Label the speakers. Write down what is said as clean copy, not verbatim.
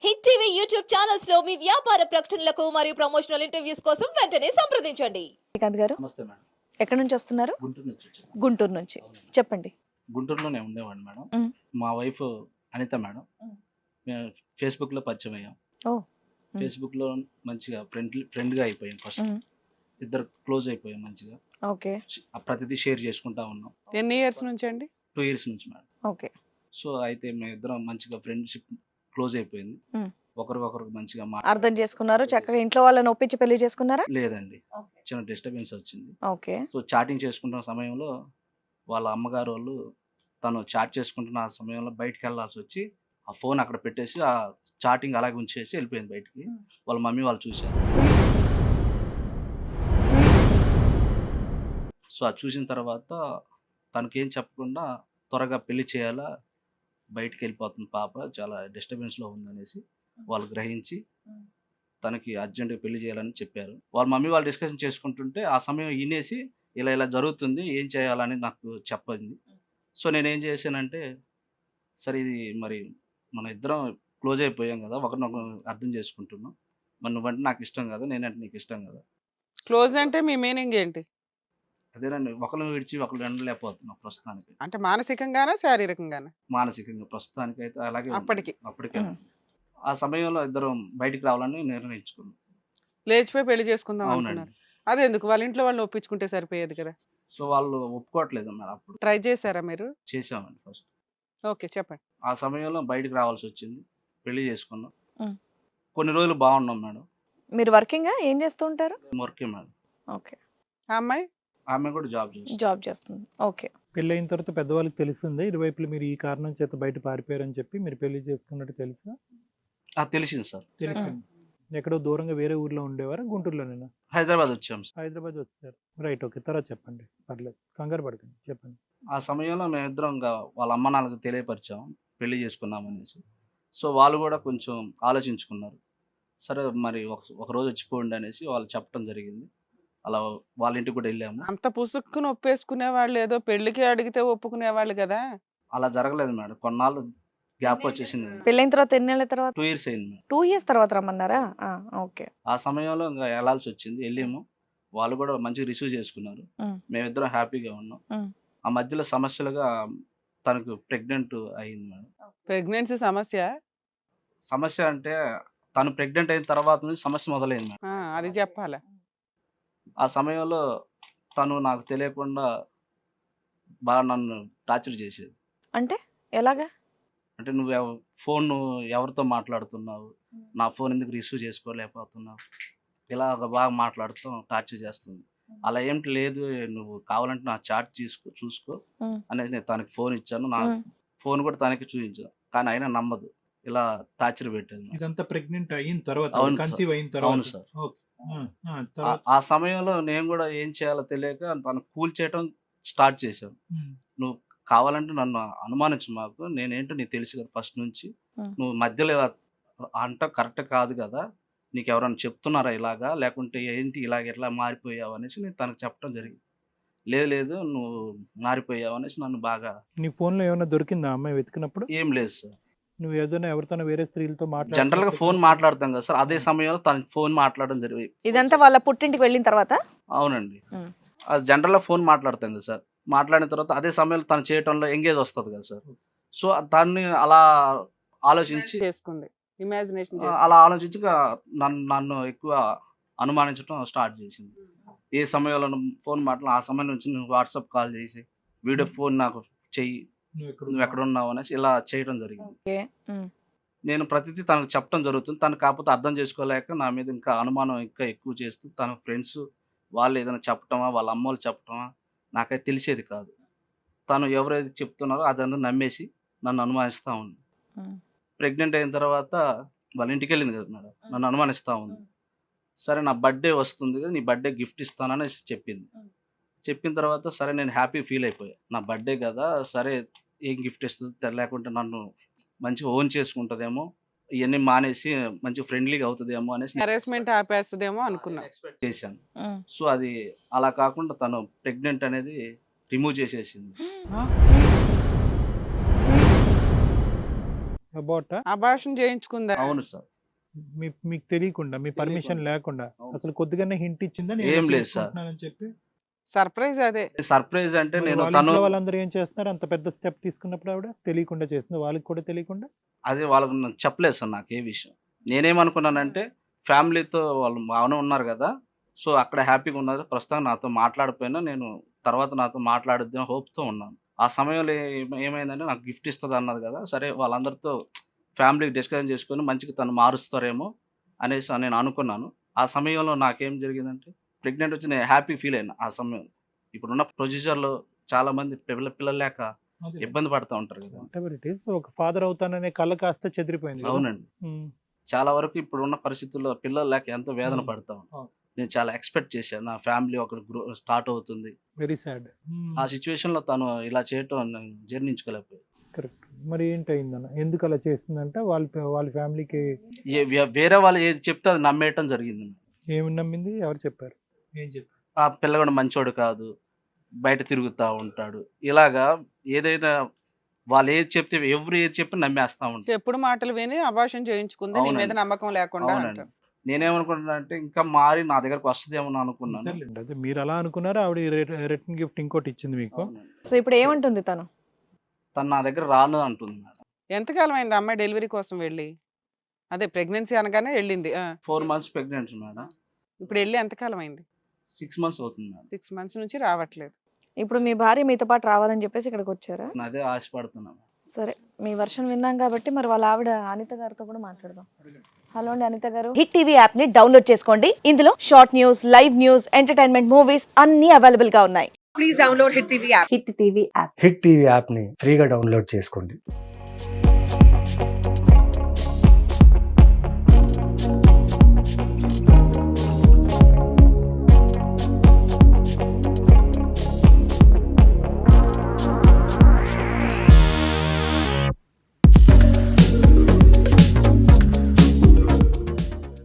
Speaker 1: Hit TV YouTube channels లో మీ వ్యాపార ప్రకటనలకు మరియు ప్రమోషనల్ ఇంటర్వ్యూస్ కోసం వెంటనే సంప్రదించండి.
Speaker 2: శ్రీకాంత్ గారు
Speaker 3: నమస్తే మేడం.
Speaker 2: ఎక్కడి నుంచి వస్తున్నారు?
Speaker 3: గుంటూరు నుంచి వచ్చాను.
Speaker 2: గుంటూరు నుంచి.
Speaker 3: అవునండి.
Speaker 2: చెప్పండి.
Speaker 3: గుంటూరులోనే ఉండేవాడిని మేడం.
Speaker 2: మ్.
Speaker 3: మా వైఫ్ అనిత మేడం.
Speaker 2: మ్.
Speaker 3: మేము ఫేస్బుక్లో పరిచయం అయ్యాం.
Speaker 2: ఓ. మ్.
Speaker 3: ఫేస్బుక్లో మంచిగా ఫ్రెండ్గా అయిపోయాం. ఫస్ట్
Speaker 2: మ్.
Speaker 3: ఇద్దరు క్లోజ్ అయిపోయాం మంచిగా.
Speaker 2: ఓకే.
Speaker 3: ప్రతిదీ షేర్ చేసుకుంటా ఉన్నాం.
Speaker 4: ఎన్ని ఇయర్స్ నుంచి అండి?
Speaker 3: 2 years నుంచి మేడం.
Speaker 2: ఓకే.
Speaker 3: సో అయితే మేము ఇద్దరం మంచిగా ఫ్రెండ్షిప్ క్లోజ్ అయిపోయింది.
Speaker 2: మ్.
Speaker 3: ఒకరికొకరు మంచిగా
Speaker 2: అర్థం చేసుకున్నారు, చక్కగా ఇంట్లో వాళ్ళని ఒప్పించి పెళ్లి చేసుకున్నారా?
Speaker 3: లేదండి, చిన్న డిస్టర్బెన్స్ వచ్చింది.
Speaker 2: ఓకే.
Speaker 3: సో చాటింగ్ చేసుకుంటున్న సమయంలో వాళ్ళ అమ్మగారు వాళ్ళు తను చాట్ చేసుకుంటున్న ఆ సమయంలో బయటికి వెళ్ళాల్సి వచ్చి ఆ ఫోన్ అక్కడ పెట్టేసి ఆ చాటింగ్ అలాగే ఉంచేసి వెళ్ళిపోయింది బయటికి. వాళ్ళ మమ్మీ వాళ్ళు చూశారు. సో అది చూసిన తర్వాత తనకేం చెప్పకుండా త్వరగా పెళ్లి చేయాలా, బయటికి వెళ్ళిపోతుంది పాప, చాలా డిస్టర్బెన్స్లో ఉందనేసి వాళ్ళు గ్రహించి తనకి అర్జెంటుగా పెళ్లి చేయాలని చెప్పారు. వాళ్ళ మమ్మీ వాళ్ళు డిస్కషన్ చేసుకుంటుంటే ఆ సమయం వినేసి ఇలా ఇలా జరుగుతుంది, ఏం చేయాలని నాకు చెప్పింది. సో నేనేం చేశానంటే, సరే ఇది మరి మన ఇద్దరం క్లోజ్ అయిపోయాం కదా, ఒకరినొకరు అర్థం చేసుకుంటున్నాం, మరి నువ్వంటే నాకు ఇష్టం కదా, నేనంటే నీకు ఇష్టం కదా.
Speaker 4: క్లోజ్ అంటే మీ మీనింగ్ ఏంటి?
Speaker 3: అదేనండి, ఒకరిని విడిచి ఒకరు ఉండలేకపోతున్నాం ప్రస్తుతానికి.
Speaker 4: అంటే మానసికంగానా శారీరకంగానా?
Speaker 3: మానసికంగా ప్రస్తుతానికి అయితే అలాగే ఉంది.
Speaker 4: అప్పటికి
Speaker 3: అప్పటికే
Speaker 2: మ్.
Speaker 3: ఆ సమయంలో ఇద్దరం బయటికి రావాలని నిర్ణయించుకున్నాం.
Speaker 4: లేచిపోయి పెళ్లి చేసుకుందాం అనుకున్నారు.
Speaker 3: అవునండి.
Speaker 4: అదే ఎందుకు వాళ్ళ ఇంట్లో వాళ్ళు ఒప్పించుకుంటే సరిపోయేది కదా.
Speaker 3: సో వాళ్ళు ఒప్పుకోవట్లేదు అన్నారు. అప్పుడు
Speaker 4: ట్రై చేశారా మీరు?
Speaker 3: చేసామండి ఫస్ట్.
Speaker 4: ఓకే, చెప్పండి.
Speaker 3: ఆ సమయంలో బయటికి రావాల్సి వచ్చింది, పెళ్లి చేసుకున్నాం.
Speaker 2: మ్.
Speaker 3: కొన్ని రోజులు బాగున్నాం మేడం.
Speaker 2: మీరు వర్కింగా ఏం చేస్తూ ఉంటారు?
Speaker 3: వర్కే మేడం.
Speaker 2: ఓకే.
Speaker 4: ఆ అమ్మాయి
Speaker 3: ఆమె కూడా జాబ్ చేస్తుంది.
Speaker 2: జాబ్ చేస్తుంది. ఓకే.
Speaker 5: పెళ్ళైన తర్వాత పెద్దవాళ్ళకి తెలిసిందే ఇరువైపులు మీరు ఈ కారణం చేత బయట పారిపోయారని చెప్పి మీరు పెళ్లి చేసుకున్నట్టు తెలుసా?
Speaker 3: తెలిసింది సార్.
Speaker 5: తెలిసింది. ఎక్కడో దూరంగా వేరే ఊర్లో ఉండేవారా, గుంటూరులోనేనా?
Speaker 3: హైదరాబాద్ వచ్చాం సార్.
Speaker 5: హైదరాబాద్ వచ్చేసారు. Right, okay. తర్వాత చెప్పండి, పర్లేదు, కంగారు పడకండి, చెప్పండి.
Speaker 3: ఆ సమయంలో మేమిద్దరం ఇంకా వాళ్ళ అమ్మ నాన్నలకు తెలియపరిచాం పెళ్లి చేసుకున్నాం అనేసి. సో వాళ్ళు కూడా కొంచెం ఆలోచించుకున్నారు. సరే మరి ఒక రోజు వచ్చిపోండి అనేసి వాళ్ళు చెప్పడం జరిగింది. అలా వాళ్ళ ఇంటికి కూడా వెళ్ళాము.
Speaker 4: అంత పుసుక్కుని ఒప్పేసుకునే వాళ్ళు ఏదో పెళ్లికి అడిగితే ఒప్పుకునే వాళ్ళు కదా.
Speaker 3: అలా జరగలేదు మేడం, కొన్నాళ్ళు గ్యాప్ వచ్చేసింది.
Speaker 2: పెళ్ళైన తర్వాత ఎన్ని నెలల తర్వాత?
Speaker 3: 2 years అయింది మేడం.
Speaker 2: 2 years తర్వాత రమ్మన్నారా? ఓకే.
Speaker 3: ఆ సమయంలో ఇంకా వెళ్ళాల్సి వచ్చింది, వెళ్ళాము. వాళ్ళు కూడా మంచిగా రిసీవ్ చేసుకున్నారు.
Speaker 2: మ్.
Speaker 3: మేమిద్దరం హ్యాపీగా ఉన్నాం.
Speaker 2: మ్.
Speaker 3: ఆ మధ్యలో సమస్యలుగా తనకు ప్రెగ్నెంట్ అయింది మేడం.
Speaker 4: ప్రెగ్నెన్సీ సమస్య?
Speaker 3: సమస్య అంటే తను ప్రెగ్నెంట్ అయిన తర్వాత నుంచి సమస్య మొదలైంది మేడం.
Speaker 4: అది చెప్పాలా?
Speaker 3: ఆ సమయంలో తను నాకు తెలియకుండా బాగా నన్ను టార్చర్ చేసేది.
Speaker 2: అంటే ఎలాగా?
Speaker 3: అంటే నువ్వు ఫోన్ ఎవరితో మాట్లాడుతున్నావు, నా ఫోన్ ఎందుకు రిసీవ్ చేసుకోలేకపోతున్నావు, ఇలా బాగా మాట్లాడుతూ టార్చర్ చేస్తుంది. అలా ఏమిటి లేదు, నువ్వు కావాలంటే నా చాట్ చూసుకో
Speaker 2: మ్.
Speaker 3: అనేసి నేను తనకి ఫోన్ ఇచ్చాను. నా
Speaker 2: మ్.
Speaker 3: ఫోన్ కూడా తనకి చూపించాను, కానీ అయినా నమ్మదు, ఇలా టార్చర్ పెట్టేది నాకు.
Speaker 5: ఇదంతా ప్రెగ్నెంట్ అయిన తర్వాత,
Speaker 3: అవును సార్.
Speaker 5: కన్సీవ్ అయిన
Speaker 3: అవును
Speaker 5: తర్వాత.
Speaker 3: సార్.
Speaker 5: ఓకే. తర్వాత
Speaker 3: ఆ సమయంలో నేను కూడా ఏం చేయాలో తెలియక తను కూల్ చేయడం స్టార్ట్ చేశాను. నువ్వు కావాలంటే నన్ను అనుమానించు, మాకు నేనేంటో నీకు తెలుసు కదా ఫస్ట్ నుంచి,
Speaker 2: మ్.
Speaker 3: నువ్వు మధ్యలో ఇలా అంట కరెక్ట్ కాదు కదా, నీకు ఎవరైనా చెప్తున్నారా ఇలాగా, లేకుంటే ఏంటి ఇలాగ ఎట్లా మారిపోయావు అనేసి నేను తనకు చెప్పడం జరిగింది. లేదు నువ్వు మారిపోయావు అనేసి నన్ను బాగా.
Speaker 5: నీ ఫోన్ లో ఏమైనా దొరికిందా అమ్మాయి వెతికినప్పుడు?
Speaker 3: ఏం లేదు సార్.
Speaker 5: నువ్వు ఏదైనా ఎవరితోనో వేరే స్త్రీలతో
Speaker 3: జనరల్ గా ఫోన్ మాట్లాడతాం కదా సార్, అదే సమయంలో తనకి ఫోన్ మాట్లాడడం జరిగింది.
Speaker 2: ఇదంతా వాళ్ళ పుట్టింటికి వెళ్ళిన తర్వాత?
Speaker 3: అవునండి.
Speaker 2: మ్.
Speaker 3: అది జనరల్ గా ఫోన్ మాట్లాడతాం కదా సార్, మాట్లాడిన తర్వాత అదే సమయంలో తను చేయటంలో ఎంగేజ్ వస్తుంది కదా సార్. సో దాన్ని అలా ఆలోచించి
Speaker 4: చేసుకుంది, ఇమాజినేషన్
Speaker 3: అలా ఆలోచించి నన్ను ఎక్కువ అనుమానించడం స్టార్ట్ చేసింది. ఏ సమయంలో ఫోన్ మాట్లాడి ఆ సమయం నుంచి నువ్వు వాట్సాప్ కాల్ చేసి వీడియో ఫోన్ నాకు చెయ్యి, నువ్వు ఎక్కడ ఉన్నావు అనేసి ఇలా చేయడం జరిగింది.
Speaker 2: ఓకే. మ్.
Speaker 3: నేను ప్రతిదీ తనకు చెప్పడం జరుగుతుంది. తను కాకపోతే అర్థం చేసుకోలేక నా మీద ఇంకా అనుమానం ఇంకా ఎక్కువ చేస్తూ తన ఫ్రెండ్స్ వాళ్ళు ఏదైనా చెప్పటమా, వాళ్ళ అమ్మోళ్ళు చెప్పటమా నాకైతే తెలిసేది కాదు. తను ఎవరైతే చెప్తున్నారో అదంతా నమ్మేసి నన్ను అనుమానిస్తూ ఉంది.
Speaker 2: మ్.
Speaker 3: ప్రెగ్నెంట్ అయిన తర్వాత వాళ్ళ ఇంటికి వెళ్ళింది కదా మేడం, నన్ను అనుమానిస్తూ ఉంది. సరే నా బర్త్డే వస్తుంది కదా, నీ బర్త్డే గిఫ్ట్ ఇస్తానని చెప్పింది. చెప్పిన తర్వాత సరే నేను హ్యాపీ ఫీల్ అయిపోయా, నా బర్త్డే కదా, సరే ఏం గిఫ్ట్ ఇస్తుంది, లేకుంటే నన్ను మంచిగా ఓన్ చేసుకుంటుందేమో, ఇవన్నీ మానేసి మంచి ఫ్రెండ్లీగా అవుతుందేమో అనేసి
Speaker 4: హెరాస్మెంట్ ఆపేస్తుందేమో అనుకున్నా.
Speaker 3: ఎక్స్పెక్ట్ చేశాను.
Speaker 2: మ్.
Speaker 3: సో అది అలా కాకుండా తను ప్రెగ్నెంట్ అనేది రిమూవ్ చేసేసింది.
Speaker 5: అబౌట్
Speaker 4: అభాషణ చేయించుకుందా?
Speaker 3: అవును సార్.
Speaker 5: మీకు తెలియకుండా మీ పర్మిషన్ లేకుండా
Speaker 3: అవును.
Speaker 5: అసలు కొద్దిగానే హింట్ ఇచ్చిందా నేను
Speaker 3: ఏం
Speaker 5: ఇలా
Speaker 3: లేదు సార్.
Speaker 5: చేసుకుంటున్నానని చెప్పి?
Speaker 4: సర్ప్రైజ్ అదే.
Speaker 3: సర్ప్రైజ్ అంటే
Speaker 5: మరి
Speaker 3: నేను
Speaker 5: వాళ్ళ
Speaker 3: తను
Speaker 5: ఇంట్లో వాళ్ళందరూ ఏం చేస్తున్నారు? అంత పెద్ద స్టెప్ తీసుకున్నప్పుడు ఆవిడ తెలియకుండా చేస్తుంది, వాళ్ళకి కూడా తెలియకుండా.
Speaker 3: అది వాళ్ళకి నాకు చెప్పలేదు సార్ నాకు ఏ విషయం. నేనేమనుకున్నానంటే ఫ్యామిలీతో వాళ్ళు బాగానే ఉన్నారు కదా, సో అక్కడ హ్యాపీగా ఉన్నారు, ప్రస్తుతం నాతో మాట్లాడిపోయినా నేను తర్వాత నాతో మాట్లాడుద్దాం హోప్తో ఉన్నాను. ఆ సమయంలో ఏమైందంటే నాకు గిఫ్ట్ ఇస్తుంది అన్నది కదా, సరే వాళ్ళందరితో ఫ్యామిలీకి డిస్కషన్ చేసుకొని మంచిగా తను మారుస్తారేమో అనేసి నేను అనుకున్నాను. ఆ సమయంలో నాకేం జరిగిందంటే ప్రెగ్నెంట్ వచ్చి నేను హ్యాపీ ఫీల్ అయినా ఆ సమయంలో. ఇప్పుడున్న ప్రొసీజర్లో చాలా మంది పిల్లలు లేక ఇబ్బంది పడుతూ ఉంటారు కదా.
Speaker 5: Whatever it is, ఒక ఫాదర్ అవుతాననే కళ కాస్త చెదిరిపోయింది కదా?
Speaker 3: అవునండి.
Speaker 5: ఉమ్.
Speaker 3: చాలా వరకు ఇప్పుడున్న పరిస్థితుల్లో పిల్లలు లేక ఎంతో వేదన పడతా ఉన్నాను.
Speaker 5: అవును.
Speaker 3: నేను చాలా ఎక్స్పెక్ట్ చేశాను నా ఫ్యామిలీ ఒకటి స్టార్ట్ అవుతుంది.
Speaker 5: Very sad.
Speaker 3: ఆ సిచ్యువేషన్లో తను ఇలా చేయటం నేను జీర్ణించుకోలేకపోయాను.
Speaker 5: కరెక్ట్. మరి ఏంటయిందన్న? ఎందుకు అలా చేస్తుందంటే వాళ్ళ ఫ్యామిలీకి
Speaker 3: వేరే వాళ్ళు ఏది చెప్తే అది నమ్మేయటం జరిగింది.
Speaker 5: ఏమి నమ్మింది? ఎవరు చెప్పారు? ఏం చెప్పారు?
Speaker 3: ఆ పిల్లగాడు మంచోడు కాదు, బయట తిరుగుతూ ఉంటాడు, ఇలాగా ఏదైనా వాళ్ళు ఏది చెప్తే ఎవరు ఏది చెప్పి నమ్మేస్తా ఉంటారు.
Speaker 4: చెప్పుడు మాటలు విని అభాషణ చేయించుకుంది, నీ మీద
Speaker 3: అవునండి.
Speaker 4: నమ్మకం లేకుండా
Speaker 3: అవునండి.
Speaker 4: అంటారు.
Speaker 3: నేనేమనుకుంటున్నా అంటే ఇంకా మారి నా దగ్గరకు వస్తుందేమో అనుకున్నాను.
Speaker 5: సర్లేండి, అదే మీరు అలా అనుకున్నారు. ఆవిడ రిటర్న్ గిఫ్ట్ ఇంకోటి ఇచ్చింది మీకు.
Speaker 3: అవునండి.
Speaker 2: సో ఇప్పుడు ఏమంటుంది తను?
Speaker 3: తను నా దగ్గర రాను అంటుంది మేడం.
Speaker 4: ఎంతకాలం అయింది అమ్మాయి డెలివరీ కోసం వెళ్ళి? అదే ప్రెగ్నెన్సీ అనగానే వెళ్ళింది.
Speaker 3: 4 months ప్రెగ్నెంట్ మేడం.
Speaker 4: ఇప్పుడు వెళ్ళి ఎంతకాలం అయింది?
Speaker 3: 6 months అవుతుంది మేడం.
Speaker 4: 6 months నుంచి రావట్లేదు.
Speaker 2: ఇప్పుడు మీ భార్య మీతో పాటు రావాలని చెప్పేసి ఇక్కడికి వచ్చారా?
Speaker 3: నేను అదే ఆశపడుతున్నాను.
Speaker 2: సరే, మీ వర్షన్ విన్నాం కాబట్టి మరి వాళ్ళ ఆవిడ అనిత గారితో కూడా మాట్లాడదాం. హలో అండి అనిత గారు.
Speaker 6: హిట్ టీవీ యాప్ ని డౌన్లోడ్ చేసుకోండి. ఇందులో short news, live news, entertainment movies అన్ని అవైలబుల్ గా ఉన్నాయి.
Speaker 7: హిట్ టీవీ యాప్ ని ఫ్రీగా డౌన్లోడ్ చేసుకోండి.